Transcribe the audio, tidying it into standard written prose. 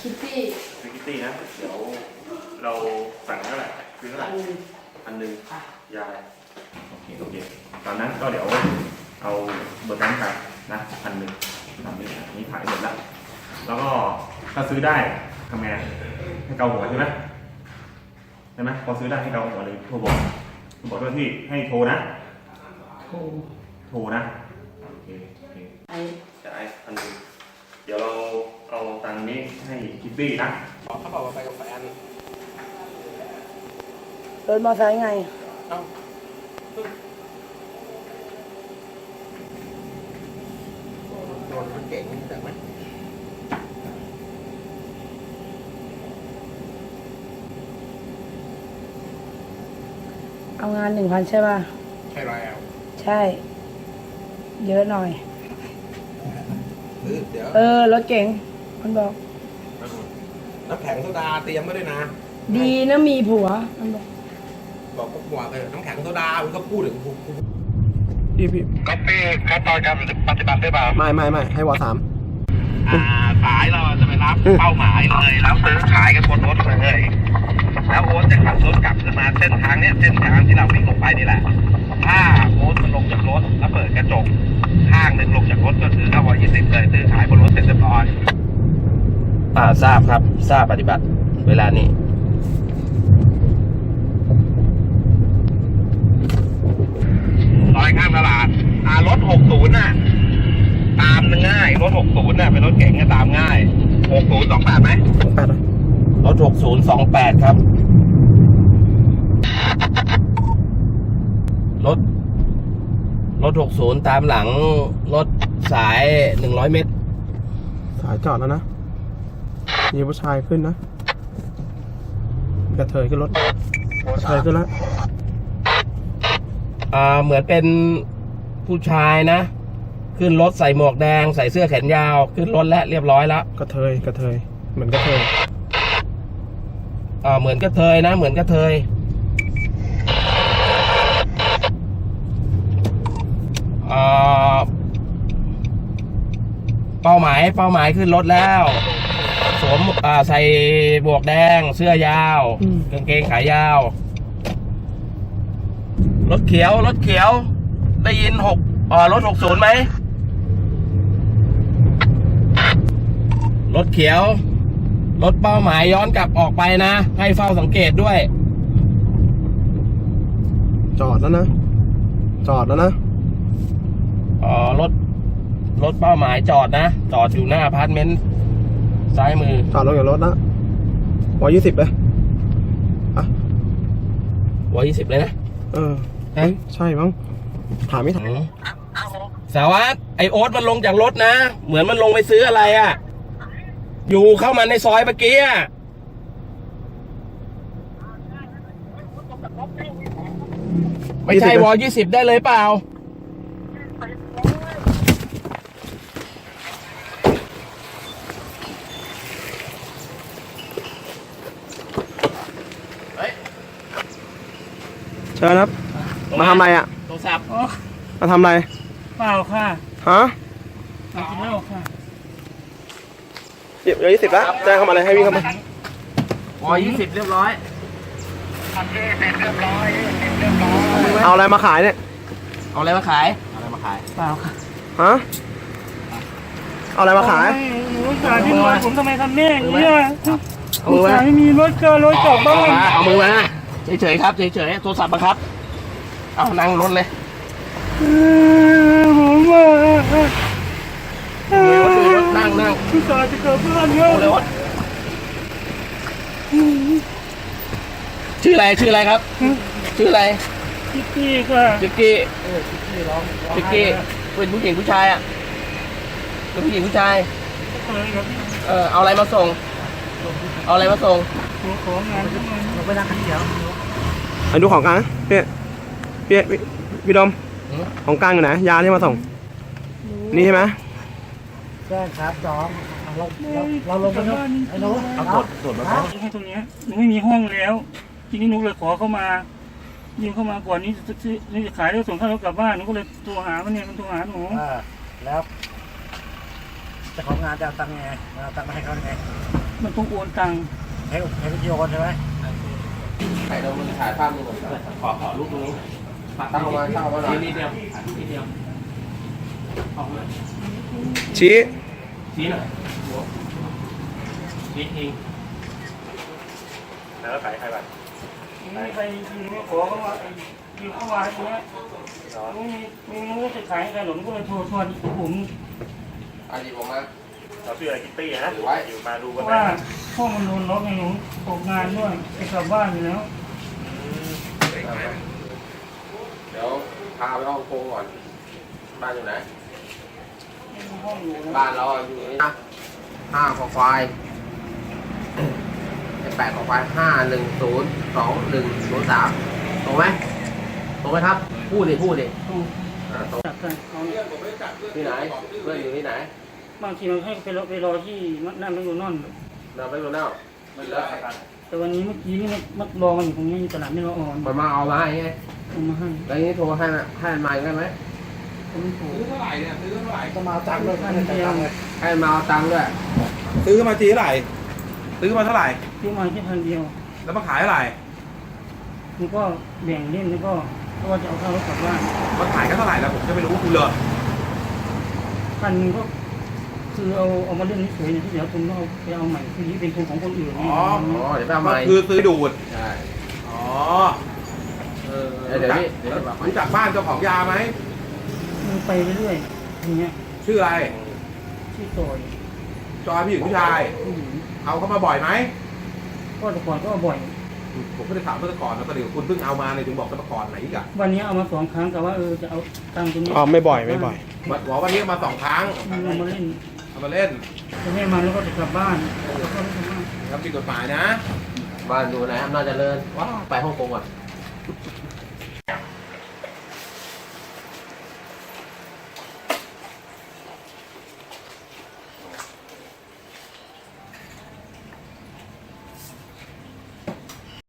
คิตตี้นะเดี๋ยวเราสั่งเท่าไหร่คือเท่าไหร่1,000ยายโอเคตอนนั้นก็เดี๋ยวเอาเบอร์นั้นไปนะ1,000ตามนี้ขายหมดแล้วแล้วก็ถ้าซื้อได้ทำไงให้เกาหัวใช่ไหมพอซื้อได้ให้เกาหัวเลยโทรบอกเจ้าที่ให้โทรนะโทรนะโอเคจะไอ้1,000เดี๋ยวเราเอาตังค์นี้ให้คิตตี้นะเขาบอกว่าไปกับแฟนรถมอเตอร์ไซค์ไงโดนรถเก๋งแต่ไหมเอางาน1,000ใช่ป่ะใช่แล้วใช่เยอะหน่อยเดี๋ยวรถเก๋งมันบอกน้ำแข็งโซดาเตรียมไว้ด้วยนะดีนะมีผัวมันบอกก็ผัวน้ำแข็งโซดามันก็พูดถึงพี่ก๊อปปี้ขั้นตอนการปฏิบัติได้เปล่าไม่ให้วอ3 สายเราจะไปรับเป้าหมายเลยแล้วซื้อขายกันบนรถเลยแล้วโอ๊ตจะขับรถกลับขึ้นมาเส้นทางที่เราวิ่งลงไปนี่แหละถ้าโอ๊ตมันลงจากรถแล้วเปิดกระจกข้างหนึ่งลงจากรถก็คือ920เลยซื้อขายบนรถเสร็จเรียบร้อยทราบครับทราบปฏิบัติเวลานี้ซอยข้างตลาดรถ60น่ะตามง่ายรถ60น่ะเป็นรถเก๋งก็ตามง่าย6028ไหมรถ6028ครับรถ60ตามหลังรถสาย100เมตรสายจอดแล้วนะมีผู้ชายขึ้นนะกระเทยขึ้นรถกระเทยขึ้นแล้วเหมือนเป็นผู้ชายนะขึ้นรถใส่หมวกแดงใส่เสื้อแขนยาวขึ้นรถแล้วเรียบร้อยแล้วกระเทยเหมือนกระเทยเหมือนกระเทยนะเหมือนกระเทยเป้าหมายขึ้นรถแล้วสวมใส่หมวกแดงเสื้อยาวกางเกงขายาวรถเขียวได้ยินรถ60ไหมรถเขียวรถเป้าหมายย้อนกลับออกไปนะให้เฝ้าสังเกตด้วยจอดแล้วนะรถเป้าหมายจอดอยู่หน้าอพาร์ตเมนต์ซ้ายมือจอดลงจากรถนะ120เลย 120เลยนะใช่มั้งถามไม่ถามสารวัตรไอโอ๊ตมันลงจากรถนะเหมือนมันลงไปซื้ออะไรอยู่เข้ามาในซอยเมื่อกี้ไม่ใช่ว20ได้เลยเปล่าเชิญครับมาทำอะไรโทรศัพท์มาทำอะไรเปล่าค่ะมากินเหล้าค่ะเดี๋ยว20แล้วแจ้งเข้ามาเลยให้วิ่งเข้ามา 20เรียบร้อยเอาอะไรมาขายเนี่ยเอาอะไรมาขายเปล่าค่ะเอาอะไรมาขายรถขายที่รถผมทำไมทำแม่อย่างนี้ผมขายไม่มีรถกลับบ้านเอามือมาเฉยๆครับเฉยๆโทรศัพท์มาครับเอานั่งรถเลยผมนั่งผู้ชายจะกลับบ้านเนี่ยชื่ออะไรครับชื่ออะไรจิ๊กกี้ค่ะจิ๊กกี้เป็นผู้หญิงผู้ชายเป็นผู้หญิงผู้ชายเอาอะไรมาส่งของงานไปนั่งกันเดี๋ยวดูของกลางพี่ดมของกลางอยู่ไหนยาที่มาส่งนี่ใช่ไหมใช่ครับจอมเราลงไปเนาะไอ้น้องเอาตรวจมาให้ตรงนี้หนูไม่มีห้องแล้วทีนี้หนูเลยขอเข้ามายิงเข้ามาก่อนนี้จะขายแล้วส่งข้าวกลับบ้านหนูก็เลยโทรหามันโทรหาหนูแล้ว จะของงานจะตังไงตังมาให้เขาไงมันต้องโอนตังค์ให้พี่โอนใช่ไหมถ่ายเรามันถ่ายภาพนึงก่อนขอรูปตรงนี้ตั้งออกมาหน่อยนิดเดียวออกมาชี้ชี้หน่อยชี้ทิ้งแล้วขายใครบ้างไม่มีใครยืมไม่ขอเข้ามายืมเข้ามาอย่างเงี้ยไม่รู้จะขายใครหรอกก็เลยโทรชวนผมอันนี้ผมมาเราชื่ออะไรคิตตี้นะอยู่มาดูเพกันราะไหมว่าพ่อมันโดนล็อกไงหนูตกงานด้วยไปกลับบ้านอยู่แล้วเดี๋ยวพาไปห้องโกงก่อน บ้านอยู่ไหนห้องอยู่นะบ้านเราอยู่นี่นะ5 คอควาย8 คอควาย5102103ตรงไหมตรงไหมครับพูดดิต้องตรงจับกันเขาเนี่ยที่ไหนเพื่อนอยู่ที่ไหนบางทีมันให้ไปรอที่นั่นไม่อยู่นอนเราไปดูแล้วแล้วแต่วันนี้เมื่อกี้นี่มันรอกันอยู่ตรงนี้ตลาดไม่รออ่อนมันมาเอามาให้ไงเอามาให้แล้วนี้โทรให้มาได้ไหมผมไม่ถูกจะมาตังค์ด้วยพันเดียวให้มาเอาตังค์ด้วยซื้อมาทีเท่าไหร่ซื้อมาเท่าไหร่ซื้อมาแค่พันเดียวแล้วมาขายเท่าไหร่มันก็แบ่งเล่นแล้วก็เพราะว่าจะเอาข้าวรถกลับบ้านมาขายกันเท่าไหร่แล้วผมจะไม่รู้คุณเลยพันหนึงก็คือเอามาเล่นเฉยๆเนี่ยที่เดี๋ยวคุณต้องเอาไปเอาใหม่คือนี่เป็นทุนของคนอื่นเนี่ยอ๋อเดี๋ยวไปเอาใหม่คือซื้อดูดใช่อ๋อเดี๋ยวนี้รู้จักบ้านเจ้าของยาไหมมันไปเรื่อยๆอย่างเงี้ยชื่ออะไรที่ซอยจอยผู้หญิงผู้ชายผู้หญิงเอาเข้ามาบ่อยไหมก็แต่ก่อนก็เอาบ่อยผมก็ได้ถามเมื่อก่อนแล้วก็เดี๋ยวคุณเพิ่งเอามาเนี่ยถึงบอกเมื่อก่อนไหนอีกอะวันนี้เอามา2 ครั้งแต่ว่าจะเอาตังค์ตรงนี้ไม่บ่อยบอกวันนี้มา2 ครั้งเอามาเล่นเอามาเล่นจะให้มาแล้วก็จะกลับบ้านแล้วก็ไม่ทำบ้านทำผิดกฎหมายนะบ้านอยู่ไหนอำนาจเจริญว้าวไปฮ่องกงก่อน